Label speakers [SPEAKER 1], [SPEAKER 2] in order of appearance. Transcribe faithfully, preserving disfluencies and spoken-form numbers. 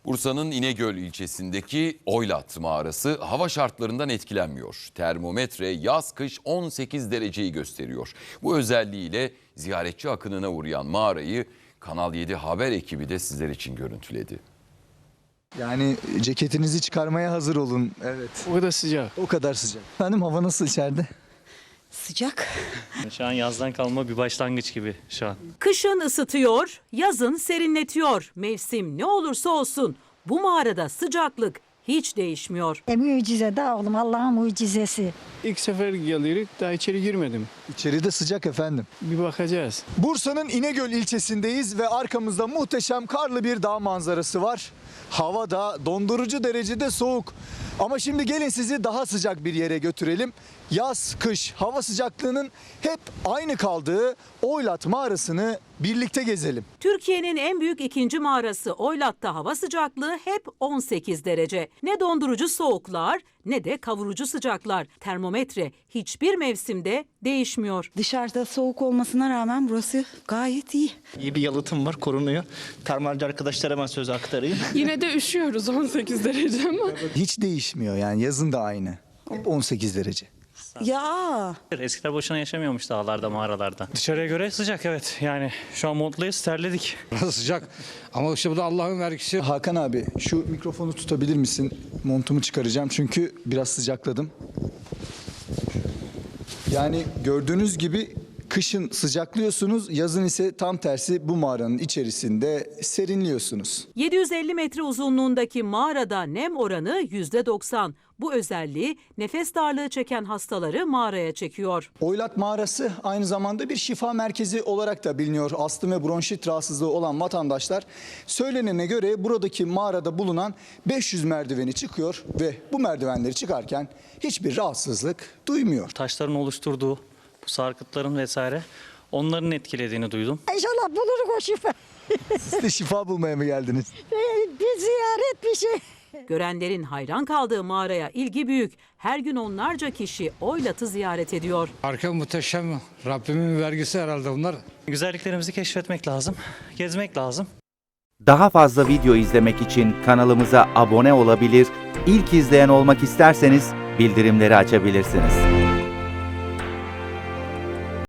[SPEAKER 1] Bursa'nın İnegöl ilçesindeki Oylat mağarası hava şartlarından etkilenmiyor. Termometre yaz kış on sekiz dereceyi gösteriyor. Bu özelliğiyle ziyaretçi akınına uğrayan mağarayı Kanal yedi haber ekibi de sizler için görüntüledi.
[SPEAKER 2] Yani ceketinizi çıkarmaya hazır olun. Evet.
[SPEAKER 3] O kadar sıcak.
[SPEAKER 2] O kadar sıcak. Efendim hava nasıl içeride?
[SPEAKER 4] Sıcak.
[SPEAKER 5] Şu an yazdan kalma bir başlangıç gibi şu an.
[SPEAKER 6] Kışın ısıtıyor, yazın serinletiyor. Mevsim ne olursa olsun bu mağarada sıcaklık hiç değişmiyor.
[SPEAKER 4] E, mucize da oğlum, Allah'ın mucizesi.
[SPEAKER 3] İlk sefer geliyoruz, daha içeri girmedim.
[SPEAKER 2] İçeride sıcak efendim.
[SPEAKER 3] Bir bakacağız.
[SPEAKER 2] Bursa'nın İnegöl ilçesindeyiz ve arkamızda muhteşem karlı bir dağ manzarası var. Hava da dondurucu derecede soğuk. Ama şimdi gelin sizi daha sıcak bir yere götürelim. Yaz, kış, hava sıcaklığının hep aynı kaldığı Oylat mağarasını birlikte gezelim.
[SPEAKER 6] Türkiye'nin en büyük ikinci mağarası Oylat'ta hava sıcaklığı hep on sekiz derece. Ne dondurucu soğuklar ne de kavurucu sıcaklar. Termometre hiçbir mevsimde değişmiyor.
[SPEAKER 4] Dışarıda soğuk olmasına rağmen burası gayet iyi.
[SPEAKER 7] İyi bir yalıtım var, korunuyor. Termalci arkadaşlara ben söz aktarayım.
[SPEAKER 8] Yine de üşüyoruz on sekiz derece ama.
[SPEAKER 2] Hiç değişmiyor yani yazın da aynı. Hep on sekiz derece.
[SPEAKER 4] Ya
[SPEAKER 5] Eskiler boşuna yaşamıyormuş dağlarda, mağaralarda. Dışarıya göre sıcak, evet. Yani şu an montluyuz, terledik.
[SPEAKER 9] Burası sıcak ama işte bu da Allah'ın vergisi.
[SPEAKER 2] Hakan abi şu mikrofonu tutabilir misin? Montumu çıkaracağım çünkü biraz sıcakladım. Yani gördüğünüz gibi kışın sıcaklıyorsunuz, yazın ise tam tersi bu mağaranın içerisinde serinliyorsunuz.
[SPEAKER 6] yedi yüz elli metre uzunluğundaki mağarada nem oranı yüzde doksan. Bu özelliği nefes darlığı çeken hastaları mağaraya çekiyor.
[SPEAKER 2] Oylat mağarası aynı zamanda bir şifa merkezi olarak da biliniyor. Astım ve bronşit rahatsızlığı olan vatandaşlar söylenene göre buradaki mağarada bulunan beş yüz merdiveni çıkıyor ve bu merdivenleri çıkarken hiçbir rahatsızlık duymuyor.
[SPEAKER 5] Taşların oluşturduğu bu sarkıtların vesaire onların etkilediğini duydum.
[SPEAKER 4] inşallah buluruz o şifa.
[SPEAKER 2] Siz de şifa bulmaya mı geldiniz?
[SPEAKER 4] Bir ziyaret bir şey.
[SPEAKER 6] Görenlerin hayran kaldığı mağaraya ilgi büyük. Her gün onlarca kişi Oylat'ı ziyaret ediyor.
[SPEAKER 9] Harika, muhteşem. Rabbimin vergisi herhalde bunlar.
[SPEAKER 5] Güzelliklerimizi keşfetmek lazım, gezmek lazım.
[SPEAKER 10] Daha fazla video izlemek için kanalımıza abone olabilir, ilk izleyen olmak isterseniz bildirimleri açabilirsiniz.